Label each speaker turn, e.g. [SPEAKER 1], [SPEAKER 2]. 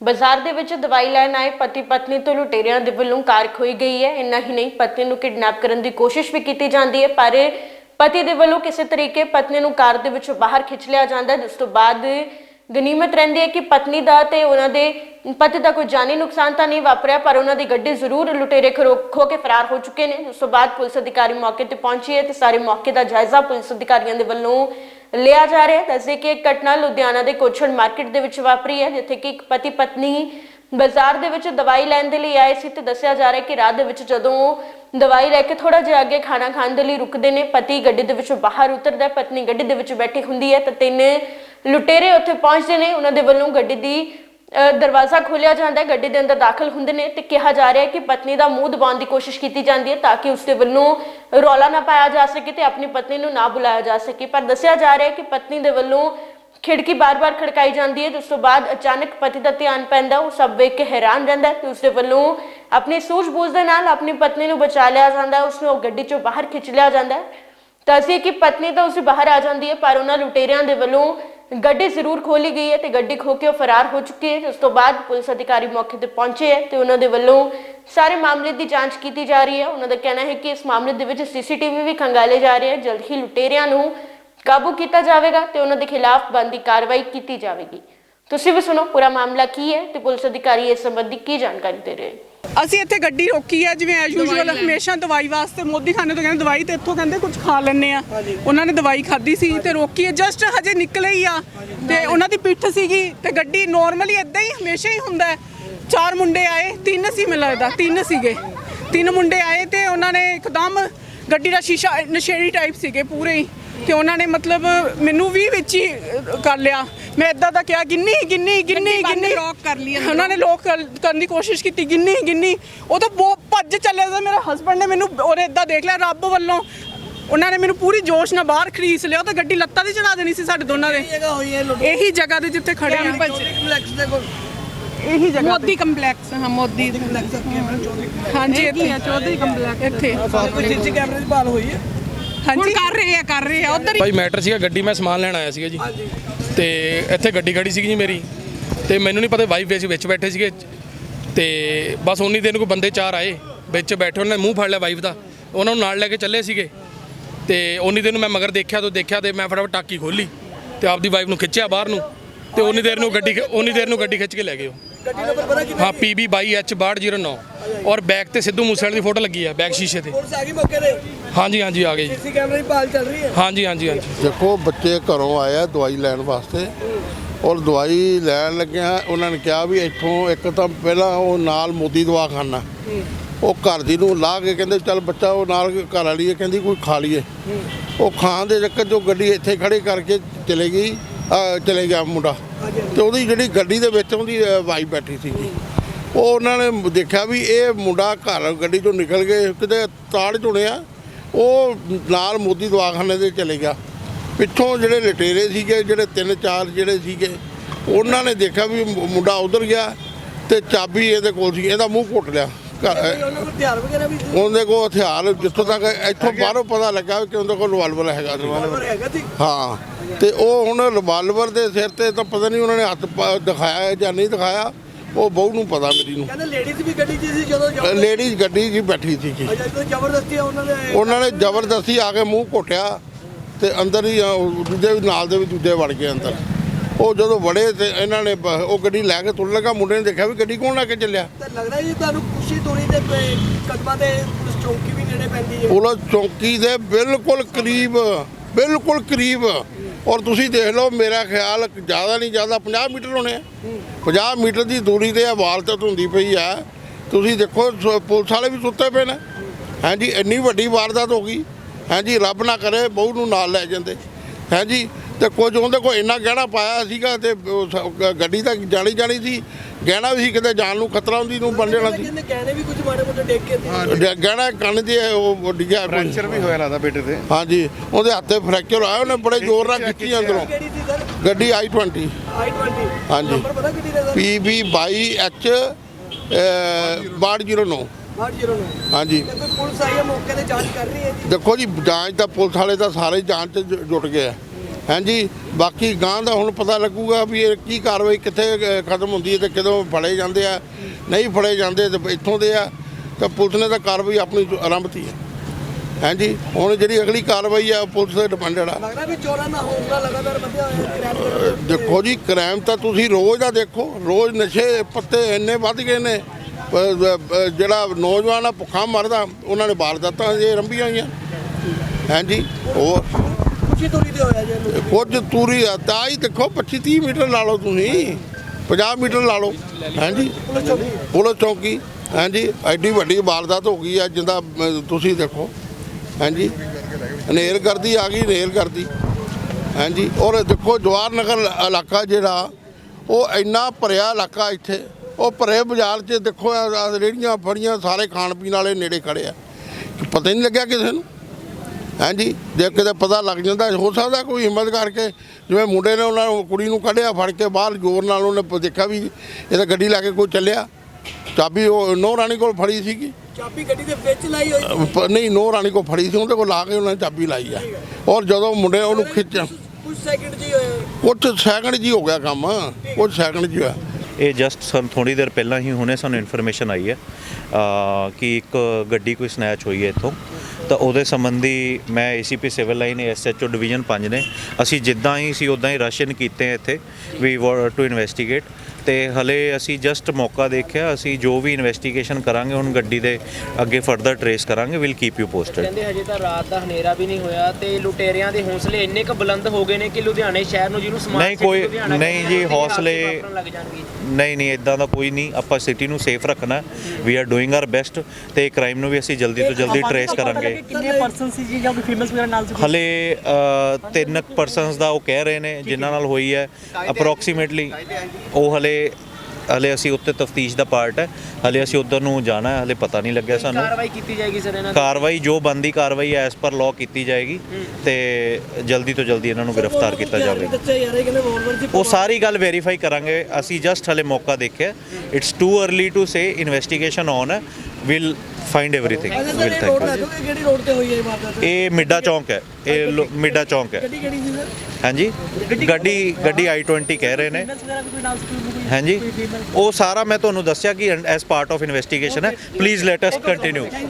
[SPEAKER 1] ਬਾਜ਼ਾਰ ਦੇ ਵਿੱਚ ਦਵਾਈ ਲੈਣ ਆਏ ਪਤੀ ਪਤਨੀ ਤੋਂ ਲੁਟੇਰਿਆਂ ਦੇ ਵੱਲੋਂ ਕਾਰ ਖੋਈ ਗਈ ਹੈ। ਇੰਨਾ ਹੀ ਨਹੀਂ, ਪਤਨੀ ਨੂੰ ਕਿਡਨੈਪ ਕਰਨ ਦੀ ਕੋਸ਼ਿਸ਼ ਵੀ ਕੀਤੀ ਜਾਂਦੀ ਹੈ, ਪਰ ਪਤੀ ਦੇ ਵੱਲੋਂ ਕਿਸੇ ਤਰੀਕੇ ਪਤਨੀ ਨੂੰ ਕਾਰ ਦੇ ਵਿੱਚੋਂ ਬਾਹਰ ਖਿੱਚ ਲਿਆ ਜਾਂਦਾ ਹੈ, ਜਿਸ ਤੋਂ ਬਾਅਦ ਗਨੀਮਤ ਰਹਿੰਦੀ ਹੈ ਕਿ ਪਤਨੀ ਦਾ ਤੇ ਉਹਨਾਂ ਦੇ ਪਤੀ ਦਾ ਕੋਈ ਜਾਨੀ ਨੁਕਸਾਨ ਤਾਂ ਨਹੀਂ ਵਾਪਰਿਆ, ਪਰ ਉਹਨਾਂ ਦੀ ਗੱਡੀ ਜ਼ਰੂਰ ਲੁਟੇਰੇ ਖੋ ਕੇ ਫਰਾਰ ਹੋ ਚੁੱਕੇ ਨੇ। ਉਸ ਤੋਂ ਬਾਅਦ ਪੁਲਿਸ ਅਧਿਕਾਰੀ ਮੌਕੇ ਤੇ ਪਹੁੰਚੇ ਹੈ ਤੇ ਸਾਰੇ ਮੌਕੇ ਦਾ ਜਾਇਜ਼ਾ ਪੁਲਿਸ ਅਧਿਕਾਰੀਆਂ ਦੇ ਵੱਲੋਂ ਲਿਆ ਜਾ ਰਿਹਾ ਹੈ। ਦੱਸਦੇ ਕਿ ਇੱਕ ਘਟਨਾ ਲੁਧਿਆਣਾ ਦੇ ਕੋਛੜ ਮਾਰਕੀਟ ਦੇ ਵਿੱਚ ਵਾਪਰੀ ਹੈ, ਜਿੱਥੇ ਕਿ ਇੱਕ ਪਤੀ ਪਤਨੀ ਬਾਜ਼ਾਰ ਦੇ ਵਿੱਚ ਦਵਾਈ ਲੈਣ ਦੇ ਲਈ ਆਏ ਸੀ ਤੇ ਦੱਸਿਆ ਜਾ ਰਿਹਾ ਕਿ ਰਾਤ ਦੇ ਵਿੱਚ ਜਦੋਂ ਦਵਾਈ ਲੈ ਕੇ ਥੋੜਾ ਜਿਹਾ ਅੱਗੇ ਖਾਣਾ ਖਾਣ ਦੇ ਲਈ ਰੁਕਦੇ ਨੇ, ਪਤੀ ਗੱਡੀ ਦੇ ਵਿੱਚੋਂ ਬਾਹਰ ਉਤਰਦਾ, ਪਤਨੀ ਗੱਡੀ ਦੇ ਵਿੱਚ ਬੈਠੀ ਹੁੰਦੀ ਹੈ ਤਾਂ ਤਿੰਨ ਲੁਟੇਰੇ ਉੱਥੇ ਪਹੁੰਚਦੇ ਨੇ। ਉਹਨਾਂ ਦੇ ਵੱਲੋਂ ਗੱਡੀ ਦੀ ਦਰਵਾਜ਼ਾ ਖੋਲਿਆ ਜਾਂਦਾ ਹੈ, ਗੱਡੀ ਦੇ ਅੰਦਰ ਦਾਖਲ ਹੁੰਦੇ ਨੇ ਤੇ ਕਿਹਾ ਜਾ ਰਿਹਾ ਹੈ ਕਿ ਪਤਨੀ ਦਾ ਮੂੰਹ ਦਬਾਉਣ ਦੀ ਕੋਸ਼ਿਸ਼ ਕੀਤੀ ਜਾਂਦੀ ਹੈ ਤਾਂ ਕਿ ਉਸ ਦੇ ਵੱਲੋਂ ਰੌਲਾ ਨਾ ਪਾਇਆ ਜਾ ਸਕੇ ਤੇ ਆਪਣੀ ਪਤਨੀ ਨੂੰ ਨਾ ਬੁਲਾਇਆ ਜਾ ਸਕੇ। ਪਰ ਦੱਸਿਆ ਜਾ ਰਿਹਾ ਹੈ ਕਿ ਪਤਨੀ ਦੇ ਵੱਲੋਂ ਖਿੜਕੀ ਬਾਰ-ਬਾਰ ਖੜਕਾਈ ਜਾਂਦੀ ਹੈ, ਜਿਸ ਤੋਂ ਬਾਅਦ ਅਚਾਨਕ ਪਤੀ ਦਾ ਧਿਆਨ ਪੈਂਦਾ, ਉਹ ਸਭ ਵੇਖ ਕੇ ਹੈਰਾਨ ਰਹਿੰਦਾ ਤੇ ਉਸ ਦੇ ਵੱਲੋਂ ਆਪਣੀ ਸੂਝ-ਬੂਝ ਦੇ ਨਾਲ ਆਪਣੀ ਪਤਨੀ ਨੂੰ ਬਚਾ ਲਿਆ ਜਾਂਦਾ, ਉਸ ਨੂੰ ਗੱਡੀ ਚੋਂ ਬਾਹਰ ਖਿੱਚ ਲਿਆ ਜਾਂਦਾ ਹੈ। ਤਾਂ ਅਸੀਂ ਕਿ ਪਤਨੀ ਤਾਂ ਉਸ ਦੇ ਬਾਹਰ ਆ ਜਾਂਦੀ ਹੈ, ਪਰ ਉਹਨਾਂ ਲੁਟੇਰਿਆਂ ਦੇ ਵੱਲੋਂ ਗੱਡੀ ਜ਼ਰੂਰ ਖੋਲੀ ਗਈ ਹੈ ਤੇ ਗੱਡੀ ਖੋ ਕੇ ਉਹ ਫਰਾਰ ਹੋ ਚੁੱਕੇ ਹੈ। ਉਸ ਤੋਂ ਬਾਅਦ ਪੁਲਿਸ ਅਧਿਕਾਰੀ ਮੌਕੇ ਤੇ ਪਹੁੰਚੇ ਹੈ ਤੇ ਉਹਨਾਂ ਦੇ ਵੱਲੋਂ ਸਾਰੇ ਮਾਮਲੇ ਦੀ ਜਾਂਚ ਕੀਤੀ ਜਾ ਰਹੀ ਹੈ। ਉਹਨਾਂ ਦਾ ਕਹਿਣਾ ਹੈ ਕਿ ਇਸ ਮਾਮਲੇ ਦੇ ਵਿੱਚ ਸੀਸੀਟੀਵੀ ਵੀ ਖੰਗਾਲੇ ਜਾ ਰਹੇ ਹਨ, ਜਲਦ ਹੀ ਲੁਟੇਰਿਆਂ ਨੂੰ ਕਾਬੂ ਕੀਤਾ ਜਾਵੇਗਾ ਤੇ ਉਹਨਾਂ ਦੇ ਖਿਲਾਫ ਬਣਦੀ ਕਾਰਵਾਈ ਕੀਤੀ ਜਾਵੇਗੀ। ਤੁਸੀਂ ਵੀ ਸੁਣੋ ਪੂਰਾ ਮਾਮਲਾ ਕੀ ਹੈ ਤੇ ਪੁਲਿਸ ਅਧਿਕਾਰੀ ਇਸ ਸੰਬੰਧੀ ਕੀ ਜਾਣਕਾਰੀ ਦੇ ਰਹੇ ਹਨ।
[SPEAKER 2] ਅਸੀਂ ਇੱਥੇ ਗੱਡੀ ਰੋਕੀ ਹੈ ਜਿਵੇਂ ਐਜ਼ ਯੂਜੂਅਲ ਹਮੇਸ਼ਾ ਦਵਾਈ ਵਾਸਤੇ ਮੋਦੀ ਖਾਨੇ ਤੋਂ ਕਹਿੰਦੇ ਦਵਾਈ ਤੇ ਇੱਥੋਂ ਕਹਿੰਦੇ ਕੁਝ ਖਾ ਲੈਣੇ ਆ। ਉਹਨਾਂ ਨੇ ਦਵਾਈ ਖਾਧੀ ਸੀ ਤੇ ਰੋਕੀ ਹੈ, ਜਸਟ ਹਜੇ ਨਿਕਲੇ ਹੀ ਆ ਤੇ ਉਹਨਾਂ ਦੀ ਪਿੱਠ ਸੀਗੀ ਤੇ ਗੱਡੀ ਨੋਰਮਲੀ ਇਦਾਂ ਹੀ ਹਮੇਸ਼ਾ ਹੀ ਹੁੰਦਾ ਹੈ। ਚਾਰ ਮੁੰਡੇ ਆਏ, ਤਿੰਨ ਸੀ ਮੈਨੂੰ ਲੱਗਦਾ, ਤਿੰਨ ਸੀਗੇ, ਤਿੰਨ ਮੁੰਡੇ ਆਏ ਤੇ ਉਹਨਾਂ ਨੇ ਇੱਕਦਮ ਗੱਡੀ ਦਾ ਸ਼ੀਸ਼ਾ ਨਸ਼ੇੜੀ ਟਾਈਪ ਸੀਗੇ ਪੂਰੇ ਹੀ ਤੇ ਉਹਨਾਂ ਨੇ ਮਤਲਬ ਮੈਨੂੰ ਵੀ ਵਿੱਚ ਹੀ ਕਰ ਲਿਆ। ਮੈਂ ਇਦਾਂ ਦਾ ਕਿਹਾ ਗਿੰਨੀ ਗਿੰਨੀ ਗਿੰਨੀ ਗਿੰਨੀ, ਲੋਕ ਕਰ ਲਿਆ, ਉਹਨਾਂ ਨੇ ਲੋਕ ਕਰਨ ਦੀ ਕੋਸ਼ਿਸ਼ ਕੀਤੀ, ਗਿੰਨੀ ਗਿੰਨੀ, ਉਹ ਤਾਂ ਬਹੁਤ ਭੱਜ ਚੱਲਿਆ ਸੀ। ਮੇਰੇ ਹਸਬੈਂਡ ਨੇ ਮੈਨੂੰ ਉਹਨੇ ਇਦਾਂ ਦੇਖ ਲਿਆ, ਰੱਬ ਵੱਲੋਂ ਉਹਨਾਂ ਨੇ ਮੈਨੂੰ ਪੂਰੀ ਜੋਸ਼ ਨਾਲ ਬਾਹਰ ਖਰੀਦ ਲਿਆ। ਉਹ ਤਾਂ ਗੱਡੀ ਲੱਤਾਂ ਦੀ ਚੜਾ ਦੇਣੀ ਸੀ ਸਾਡੇ ਦੋਨਾਂ ਦੇ। ਇਹੀ ਜਗ੍ਹਾ ਤੇ ਜਿੱਥੇ ਖੜੇ ਆ, ਇਹੀ ਜਗ੍ਹਾ ਮੋਦੀ ਕੰਪਲੈਕਸ। ਹਾਂ ਮੋਦੀ ਕੰਪਲੈਕਸ, ਹਾਂਜੀ ਇੱਥੇ ਚੌਧਰੀ ਕੰਪਲੈਕਸ, ਇੱਥੇ ਸੀਸੀ ਕੈਮਰੇ ਦੀ ਭਾਲ ਹੋਈ ਹੈ। ਹਾਂਜੀ ਕਰ ਰਹੇ ਆ ਉਧਰ
[SPEAKER 3] ਭਾਈ ਮੈਟਰ ਸੀਗਾ, ਗੱਡੀ ਮੈਂ ਸਮਾਨ ਲੈਣ ਆਇਆ ਸੀਗਾ ਜੀ ਤੇ ਇੱਥੇ ਗੱਡੀ ਖੜੀ ਸੀਗੀ ਜੀ ਮੇਰੀ ਤੇ ਮੈਨੂੰ ਨਹੀਂ ਪਤਾ ਵਾਈਫ ਵਿੱਚ ਬੈਠੇ ਸੀਗੇ ਤੇ ਬਸ ਉਨੀ ਦੇਰ ਨੂੰ ਕੋਈ ਬੰਦੇ ਚਾਰ ਆਏ ਵਿੱਚ ਬੈਠੇ, ਉਹਨਾਂ ਨੇ ਮੂੰਹ ਫੜ ਲਿਆ ਵਾਈਫ ਦਾ, ਉਹਨਾਂ ਨੂੰ ਨਾਲ ਲੈ ਕੇ ਚੱਲੇ ਸੀਗੇ ਤੇ ਉਨੀ ਦੇਰ ਨੂੰ ਮੈਂ ਮਗਰ ਦੇਖਿਆ ਤੇ ਮੈਂ ਫਟਾਫਟ ਟਾਕੀ ਖੋਲੀ ਤੇ ਆਪਦੀ ਵਾਈਫ ਨੂੰ ਖਿੱਚਿਆ ਬਾਹਰ ਨੂੰ ਤੇ ਉਨੀ ਦੇਰ ਨੂੰ ਗੱਡੀ ਖਿੱਚ ਕੇ ਲੈ ਗਏ ਉਹ। हाँ PB 22H6209 और बैग ਤੇ ਸਿੱਧੂ ਮੂਸੇਵਾਲੇ ਦੀ ਫੋਟੋ ਲੱਗੀ ਹੈ ਬੈਗ ਸ਼ੀਸ਼ੇ ਤੇ।
[SPEAKER 4] ਪੁਲਿਸ ਆ ਗਈ ਮੌਕੇ ਤੇ?
[SPEAKER 3] ਹਾਂਜੀ ਹਾਂਜੀ ਆ ਗਏ ਜੀ।
[SPEAKER 4] ਸੀਸੀ ਕੈਮਰੇ ਦੀ ਭਾਲ ਚੱਲ ਰਹੀ ਹੈ?
[SPEAKER 3] ਹਾਂਜੀ ਹਾਂਜੀ ਹਾਂਜੀ।
[SPEAKER 5] ਦੇਖੋ ਬੱਚੇ ਘਰੋਂ ਆਏ ਆ ਦਵਾਈ ਲੈਣ ਵਾਸਤੇ ਔਰ ਦਵਾਈ ਲੈਣ ਲੱਗਿਆ ਉਹਨਾਂ ਨੇ ਕਿਹਾ ਵੀ ਇੱਥੋਂ ਇੱਕ ਤਾਂ ਪਹਿਲਾਂ ਉਹ ਨਾਲ ਮੋਦੀ ਦਵਾਖਾਨਾ, ਉਹ ਘਰ ਦੀ ਨੂੰ ਲਾ ਕੇ ਕਹਿੰਦੇ ਚੱਲ ਬੱਚਾ ਉਹ ਨਾਲ ਘਰ ਵਾਲੀ ਹੈ ਕਹਿੰਦੀ ਕੋਈ ਖਾ ਲਈਏ, ਉਹ ਖਾਣ ਦੇ ਚੱਕਰ 'ਚ ਗੱਡੀ ਇੱਥੇ ਖੜੇ ਕਰਕੇ ਚਲੇ ਗਿਆ ਮੁੰਡਾ ਤੇ ਉਹਦੀ ਜਿਹੜੀ ਗੱਡੀ ਦੇ ਵਿੱਚ ਉਹਦੀ ਵਾਈਫ ਬੈਠੀ ਸੀ। ਉਹ ਉਹਨਾਂ ਨੇ ਦੇਖਿਆ ਵੀ ਇਹ ਮੁੰਡਾ ਘਰ ਗੱਡੀ ਚੋਂ ਨਿਕਲ ਕੇ ਕਿਤੇ ਤਾੜ ਚੁਣਿਆ, ਉਹ ਨਾਲ ਮੋਦੀ ਦਵਾਖਾਨੇ ਦੇ ਚਲੇ ਗਿਆ। ਪਿੱਛੋਂ ਜਿਹੜੇ ਲਟੇਰੇ ਸੀਗੇ, ਜਿਹੜੇ ਤਿੰਨ ਚਾਰ ਜਿਹੜੇ ਸੀਗੇ, ਉਹਨਾਂ ਨੇ ਦੇਖਿਆ ਵੀ ਮੁੰਡਾ ਉਧਰ ਗਿਆ ਤੇ ਚਾਬੀ ਇਹਦੇ ਕੋਲ ਸੀ, ਇਹਦਾ ਮੂੰਹ ਘੁੱਟ ਲਿਆ। ਉਹਦੇ ਕੋਲ ਹਥਿਆਰ ਜਿੱਥੋਂ ਤੱਕ ਇੱਥੋਂ ਬਾਹਰੋਂ ਪਤਾ ਲੱਗਾ ਕਿ ਉਹਦੇ ਕੋਲ ਰਿਵਾਲਵਰ ਹੈਗਾ ਸੀ। ਹਾਂ ਤੇ ਉਹ ਹੁਣ ਰਿਵਾਲਵਰ ਦੇ ਸਿਰ ਤੇ ਤਾਂ ਪਤਾ ਨਹੀਂ ਉਹਨਾਂ ਨੇ ਹੱਥ ਦਿਖਾਇਆ ਜਾਂ ਨਹੀਂ ਦਿਖਾਇਆ, ਉਹ ਬਹੂ ਨੂੰ ਪਤਾ ਮੇਰੀ ਨੂੰ।
[SPEAKER 4] ਕਹਿੰਦੇ ਲੇਡੀਜ਼ ਵੀ ਗੱਡੀ 'ਚ ਸੀ ਜਦੋਂ?
[SPEAKER 5] ਲੇਡੀਜ਼ ਗੱਡੀ 'ਚ ਬੈਠੀ ਸੀ ਜੀ।
[SPEAKER 4] ਜ਼ਬਰਦਸਤੀ
[SPEAKER 5] ਉਹਨਾਂ ਨੇ ਜ਼ਬਰਦਸਤੀ ਆ ਕੇ ਮੂੰਹ ਘੋਟਿਆ ਤੇ ਅੰਦਰ ਹੀ ਦੂਜੇ ਨਾਲ ਦੇ ਵੀ ਦੂਜੇ ਵੜ ਗਏ ਅੰਦਰ। ਉਹ ਜਦੋਂ ਵੜੇ ਤੇ ਇਹਨਾਂ ਨੇ ਉਹ ਗੱਡੀ ਲੈ ਕੇ ਤੁਰਨ ਲੱਗਾ, ਮੁੰਡੇ ਨੇ ਦੇਖਿਆ ਵੀ ਗੱਡੀ ਕੌਣ ਲੈ ਕੇ ਚੱਲਿਆ।
[SPEAKER 4] ਲੱਗਦਾ ਜੀ ਤੁਹਾਨੂੰ ਖੁਸ਼ੀ ਤੋਰੀ ਦੇ ਕਦਮਾਂ ਤੇ ਪੁਲਿਸ ਚੌਂਕੀ ਵੀ ਨੇੜੇ ਪੈਂਦੀ ਹੈ?
[SPEAKER 5] ਪੁਲਿਸ ਚੌਂਕੀ ਦੇ ਬਿਲਕੁਲ ਕਰੀਬ ਔਰ ਤੁਸੀਂ ਦੇਖ ਲਓ, ਮੇਰਾ ਖਿਆਲ ਜ਼ਿਆਦਾ ਨਹੀਂ ਜ਼ਿਆਦਾ 50 ਮੀਟਰ ਹੋਣੇ ਆ। 50 ਮੀਟਰ ਦੀ ਦੂਰੀ ਤੇ ਵਾਰਦਾਤ ਹੁੰਦੀ ਪਈ ਆ। ਤੁਸੀਂ ਦੇਖੋ ਪੁਲਿਸ ਵਾਲੇ ਵੀ ਸੁੱਤੇ ਪਏ ਨੇ। ਹਾਂਜੀ ਇੰਨੀ ਵੱਡੀ ਵਾਰਦਾਤ ਹੋ ਗਈ। ਹਾਂਜੀ ਰੱਬ ਨਾ ਕਰੇ ਬਹੂ ਨੂੰ ਨਾਲ ਲੈ ਜਾਂਦੇ। ਹਾਂਜੀ ਤੇ ਕੁਝ ਉਹਦੇ ਕੋਲ ਇੰਨਾ ਗਹਿਣਾ ਪਾਇਆ ਸੀਗਾ ਤੇ ਗੱਡੀ ਤਾਂ ਜਾਣੀ ਸੀ, ਗਹਿਣਾ ਵੀ ਸੀ, ਕਿਤੇ ਜਾਨ ਨੂੰ ਖਤਰਾ ਹੁੰਦੀ ਨੂੰ ਬਣ ਜਾਣਾ ਸੀ।
[SPEAKER 4] ਗਹਿਣੇ ਵੀ ਕੁਝ ਮਾੜੇ ਮੋਟੇ ਡਿੱਗ ਕੇ
[SPEAKER 5] ਗਹਿਣਾ ਕੰਨ ਦੇ ਉਹ ਡਿੱਗਿਆ,
[SPEAKER 6] ਫ੍ਰੈਕਚਰ ਵੀ ਹੋਇਆ ਲੱਗਦਾ ਬੇਟੇ ਤੇ।
[SPEAKER 5] ਹਾਂਜੀ ਉਹਦੇ ਹੱਥੇ ਫ੍ਰੈਕਚਰ ਆਇਆ, ਉਹਨੇ ਬੜੇ ਜ਼ੋਰ ਨਾਲ ਖਿੱਚੀ ਅੰਦਰੋਂ ਗੱਡੀ I-20। ਹਾਂਜੀ PB 22H6209। ਹਾਂਜੀ
[SPEAKER 4] ਪੁਲਿਸ ਆਈ ਹੈ ਮੌਕੇ ਤੇ ਜਾਂਚ ਕਰ ਰਹੀ ਹੈ ਜੀ।
[SPEAKER 5] ਦੇਖੋ ਜੀ ਜਾਂਚ ਤਾਂ ਪੁਲਿਸ ਵਾਲੇ ਤਾਂ ਸਾਰੇ ਜਾਂਚ 'ਚ ਜੁਟ ਗਏ ਆ। ਹਾਂਜੀ ਬਾਕੀ ਗਾਂ ਦਾ ਹੁਣ ਪਤਾ ਲੱਗੂਗਾ ਵੀ ਇਹ ਕੀ ਕਾਰਵਾਈ ਕਿੱਥੇ ਖਤਮ ਹੁੰਦੀ ਹੈ ਤੇ ਕਦੋਂ ਫੜੇ ਜਾਂਦੇ ਆ ਨਹੀਂ ਫੜੇ ਜਾਂਦੇ ਤੇ ਇੱਥੋਂ ਦੇ ਆ ਤਾਂ ਪੁਲਿਸ ਨੇ ਤਾਂ ਕਾਰਵਾਈ ਆਪਣੀ ਆਰੰਭਤੀ ਹੈ। ਹਾਂਜੀ ਹੁਣ ਜਿਹੜੀ ਅਗਲੀ ਕਾਰਵਾਈ ਆ ਪੁਲਿਸ ਤੇ ਡਿਪੈਂਡਡ ਆ।
[SPEAKER 4] ਲੱਗਦਾ ਵੀ ਚੋਰਾਂ ਦਾ ਹੌਸਲਾ ਲਗਾਤਾਰ ਵਧਿਆ ਹੋਇਆ ਹੈ।
[SPEAKER 5] ਦੇਖੋ ਜੀ ਕ੍ਰਾਈਮ ਤਾਂ ਤੁਸੀਂ ਰੋਜ਼ ਦਾ ਦੇਖੋ, ਰੋਜ਼ ਨਸ਼ੇ ਪੱਤੇ ਇੰਨੇ ਵੱਧ ਗਏ ਨੇ। ਜਿਹੜਾ ਨੌਜਵਾਨ ਆ ਭੁੱਖਾ ਮਰਦਾ ਉਹਨਾਂ ਨੇ ਵਾਰਦਾਤਾਂ ਜੇ ਰੰਭੀਆਂ ਹੋਈਆਂ। ਹਾਂਜੀ ਹੋਰ
[SPEAKER 4] ਖੁਸ਼ੀ ਤੋਰੀ ਤੇ ਹੋਇਆ ਜੀ
[SPEAKER 5] ਕੁਝ ਤੂਰੀ ਆ ਤਾਂ ਹੀ ਦੇਖੋ 25-30 ਮੀਟਰ ਲਾ ਲਓ ਤੁਸੀਂ 50 ਮੀਟਰ ਲਾ ਲਓ। ਹਾਂਜੀ ਪੁਲਿਸ ਚੌਕੀ ਹਾਂਜੀ ਐਡੀ ਵੱਡੀ ਵਾਰਦਾਤ ਹੋ ਗਈ ਆ ਜਿੰਦਾ ਤੁਸੀਂ ਦੇਖੋ। ਹਾਂਜੀ ਹਨੇਰਗਰਦੀ ਆ ਗਈ ਹਨੇਰਗਰਦੀ। ਹਾਂਜੀ ਔਰ ਦੇਖੋ ਜਵਾਹਰ ਨਗਰ ਇਲਾਕਾ ਜਿਹੜਾ ਉਹ ਇੰਨਾ ਭਰਿਆ ਇਲਾਕਾ ਇੱਥੇ ਉਹ ਭਰੇ ਬਾਜ਼ਾਰ 'ਚ ਦੇਖੋ ਰੇਹੜੀਆਂ ਫੜੀਆਂ ਸਾਰੇ ਖਾਣ ਪੀਣ ਵਾਲੇ ਨੇੜੇ ਖੜੇ ਆ ਪਤਾ ਹੀ ਨਹੀਂ ਲੱਗਿਆ ਕਿਸੇ ਨੂੰ। ਹਾਂਜੀ ਜੇ ਕਿਤੇ ਪਤਾ ਲੱਗ ਜਾਂਦਾ ਹੋ ਸਕਦਾ ਕੋਈ ਹਿੰਮਤ ਕਰਕੇ ਜਿਵੇਂ ਮੁੰਡੇ ਨੇ ਉਹਨਾਂ ਨੂੰ ਕੁੜੀ ਨੂੰ ਕੱਢਿਆ ਫੜ ਕੇ ਬਾਹਰ ਜ਼ੋਰ ਨਾਲ ਉਹਨੇ ਦੇਖਿਆ ਵੀ ਇਹ ਤਾਂ ਗੱਡੀ ਲੈ ਕੇ ਕੋਈ ਚੱਲਿਆ। ਚਾਬੀ ਉਹ ਨੋ ਰਾਣੀ ਕੋਲ ਫੜੀ ਸੀਗੀ।
[SPEAKER 4] ਚਾਬੀ ਗੱਡੀ ਦੇ ਵਿੱਚ ਲਾਈ ਹੋਈ
[SPEAKER 5] ਨਹੀਂ ਨੋ ਰਾਣੀ ਕੋਲ ਫੜੀ ਸੀ ਉਹਦੇ ਕੋਲ ਲਾ ਕੇ ਉਹਨਾਂ ਨੇ ਚਾਬੀ ਲਾਈ ਆ ਔਰ ਜਦੋਂ ਮੁੰਡੇ ਉਹਨੂੰ ਖਿੱਚਿਆ
[SPEAKER 4] ਕੁਝ ਸੈਕਿੰਡ ਜੀ ਹੋਏ
[SPEAKER 5] ਕੁਝ ਸੈਕਿੰਡ ਜੀ ਹੋ ਗਿਆ ਕੰਮ ਕੁਝ ਸੈਕਿੰਡ ਜੀ ਹੋਇਆ।
[SPEAKER 6] ਇਹ ਜਸਟ ਸਾਨੂੰ ਥੋੜੀ ਦੇਰ ਪਹਿਲਾਂ ਹੀ ਹੁਣੇ ਸਾਨੂੰ ਇਨਫੋਰਮੇਸ਼ਨ ਆਈ ਹੈ ਕਿ ਇੱਕ ਗੱਡੀ ਕੋਈ ਸਨੈਚ ਹੋਈ ਹੈ ਇੱਥੋਂ ਤਾਂ ਉਹਦੇ ਸੰਬੰਧੀ ਮੈਂ ACP civil line SHO division 5 ਨੇ ਅਸੀਂ ਜਿੱਦਾਂ ਹੀ ਸੀ ਉੱਦਾਂ ਹੀ ਰਸ਼ਨ ਕੀਤੇ ਇੱਥੇ ਵੀ ਟੂ ਇਨਵੈਸਟੀਗੇਟ ਤੇ ਹਲੇ ਅਸੀਂ ਜਸਟ ਮੌਕਾ ਦੇਖਿਆ ਅਸੀਂ ਜੋ ਵੀ ਇਨਵੈਸਟੀਗੇਸ਼ਨ ਕਰਾਂਗੇ ਹੁਣ ਗੱਡੀ ਦੇ ਅੱਗੇ ਫਰਦਰ ਟਰੇਸ ਕਰਾਂਗੇ ਵਿਲ ਕੀਪ ਯੂ ਪੋਸਟਡ।
[SPEAKER 7] ਕਹਿੰਦੇ ਹਜੇ ਤਾਂ ਰਾਤ ਦਾ ਹਨੇਰਾ ਵੀ ਨਹੀਂ ਹੋਇਆ ਤੇ ਲੁਟੇਰਿਆਂ ਦੇ ਹੌਸਲੇ ਇੰਨੇ ਕੁ ਬੁਲੰਦ ਹੋ ਗਏ ਨੇ ਕਿ ਲੁਧਿਆਣੇ ਸ਼ਹਿਰ ਨੂੰ ਜਿਹਨੂੰ ਸਮਾਰਟ
[SPEAKER 6] ਨਹੀਂ ਕੋਈ ਨਹੀਂ ਜੀ ਹੌਸਲੇ ਨਹੀਂ ਇਦਾਂ ਦਾ ਕੋਈ ਨਹੀਂ ਆਪਾਂ ਸਿਟੀ ਨੂੰ ਸੇਫ ਰੱਖਣਾ we are doing our best ਤੇ ਕ੍ਰਾਈਮ ਨੂੰ ਵੀ ਅਸੀਂ ਜਲਦੀ ਤੋਂ ਜਲਦੀ ਟਰੇਸ ਕਰਾਂਗੇ।
[SPEAKER 7] ਕਿੰਨੇ ਪਰਸਨ ਸੀ ਜੀ ਜਾਂ ਕੋਈ ਫੀਮੇਲਸ ਵਗੈਰਾ ਨਾਲ ਸੀ?
[SPEAKER 6] ਹਲੇ 3 ਪਰਸਨਸ ਦਾ ਉਹ ਕਹਿ ਰਹੇ ਨੇ ਜਿਨ੍ਹਾਂ ਨਾਲ ਹੋਈ ਹੈ ਅਪਰੋਕਸੀਮੇਟਲੀ ਉਹ ਹਲੇ ਅਸੀਂ ਉੱਤੇ ਤਫਤੀਸ਼ ਦਾ ਪਾਰਟ ਹੈ ਹਲੇ ਅਸੀਂ ਉੱਧਰ ਨੂੰ ਜਾਣਾ ਹੈ ਹਲੇ ਪਤਾ ਨਹੀਂ ਲੱਗਿਆ ਸਾਨੂੰ।
[SPEAKER 7] ਕਾਰਵਾਈ ਕੀਤੀ ਜਾਏਗੀ ਸਰ ਇਹਨਾਂ
[SPEAKER 6] ਕਾਰਵਾਈ ਜੋ ਬੰਦੀ ਕਾਰਵਾਈ ਐਸ ਪਰ ਲਾਅ ਕੀਤੀ ਜਾਏਗੀ ਤੇ ਜਲਦੀ ਤੋਂ ਜਲਦੀ ਇਹਨਾਂ ਨੂੰ ਗ੍ਰਿਫਤਾਰ ਕੀਤਾ ਜਾਵੇਗਾ।
[SPEAKER 4] ਬੱਚੇ ਯਾਰ ਇਹ ਕਹਿੰਦੇ ਵੋਲਵਰ ਦੀ
[SPEAKER 6] ਉਹ ਸਾਰੀ ਗੱਲ ਵੈਰੀਫਾਈ ਕਰਾਂਗੇ ਅਸੀਂ ਜਸਟ ਹਲੇ ਮੌਕਾ ਦੇਖਿਆ it's too early to say investigation on ਹੈ will find everything will thank you.
[SPEAKER 4] ਕਿਹੜੀ ਰੋਡ ਤੇ ਹੋਈ ਹੈ ਇਹ ਵਾਰਦਾਤ?
[SPEAKER 6] ਇਹ ਮਿੱਡਾ ਚੌਂਕ ਹੈ ਇਹ ਮਿੱਡਾ ਚੌਂਕ ਹੈ।
[SPEAKER 4] ਗੱਡੀ ਕਿਹੜੀ ਸੀ ਸਰ?
[SPEAKER 6] ਹਾਂਜੀ ਗੱਡੀ I-20 ਕਹਿ ਰਹੇ ਨੇ।
[SPEAKER 7] ਵਗੈਰਾ ਵੀ ਕੋਈ ਨਾਲ ਸੀ?
[SPEAKER 6] ਹਾਂਜੀ ਉਹ ਸਾਰਾ ਮੈਂ ਤੁਹਾਨੂੰ ਦੱਸਿਆ ਕਿ ਐਸ ਪਾਰਟ ਆਫ ਇਨਵੈਸਟੀਗੇਸ਼ਨ ਹੈ ਪਲੀਜ਼ ਲੈਟ ਅਸ ਕੰਟੀਨਿਊ।